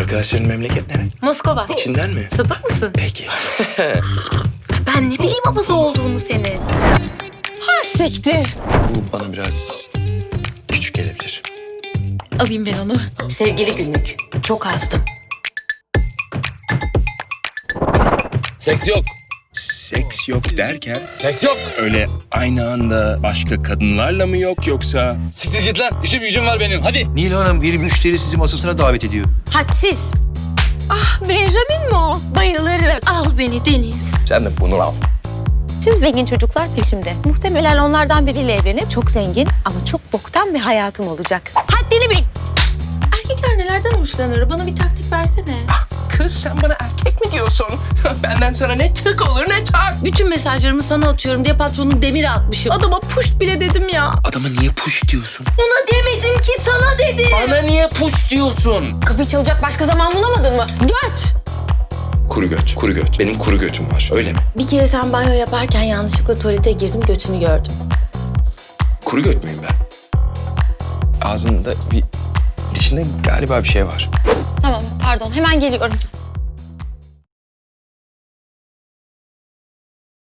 Arkadaşların memleket nere? Moskova. Çin'den mi? Sapık mısın? Peki. Ben ne bileyim abaza olduğunu senin. Ha siktir. Bu bana biraz küçük gelebilir. Alayım ben onu. Sevgili günlük. Çok azdım. Seks yok. Seks yok derken Seks yok. öyle aynı anda başka kadınlarla mı yok yoksa? Siktir git lan. İşim gücüm var benim. Hadi. Nil Hanım bir müşteri sizi masasına davet ediyor. Hadsiz. Ah Benjamin mi o? Bayılırım. Al beni Deniz. Sen de bunu al. Tüm zengin çocuklar peşimde. Muhtemelen onlardan biriyle evlenip çok zengin ama çok boktan bir hayatım olacak. Haddini bil. Erkekler nelerden hoşlanır? Bana bir taktik versene. Kız sen bana erkek mi diyorsun? Benden sana ne tık olur ne tak. Bütün mesajlarımı sana atıyorum diye patronun demiri atmışım. Adama puşt bile dedim ya. Adama niye push diyorsun? Ona demedim ki sana dedim. Bana niye puş diyorsun? Kapı çalacak başka zaman bulamadın mı? Göt. Kuru göt, kuru göt. Benim kuru götüm var, öyle mi? Bir kere sen banyo yaparken yanlışlıkla tuvalete girdim, götünü gördüm. Kuru göt müyüm ben? Ağzında dişinde galiba bir şey var. Tamam pardon hemen geliyorum.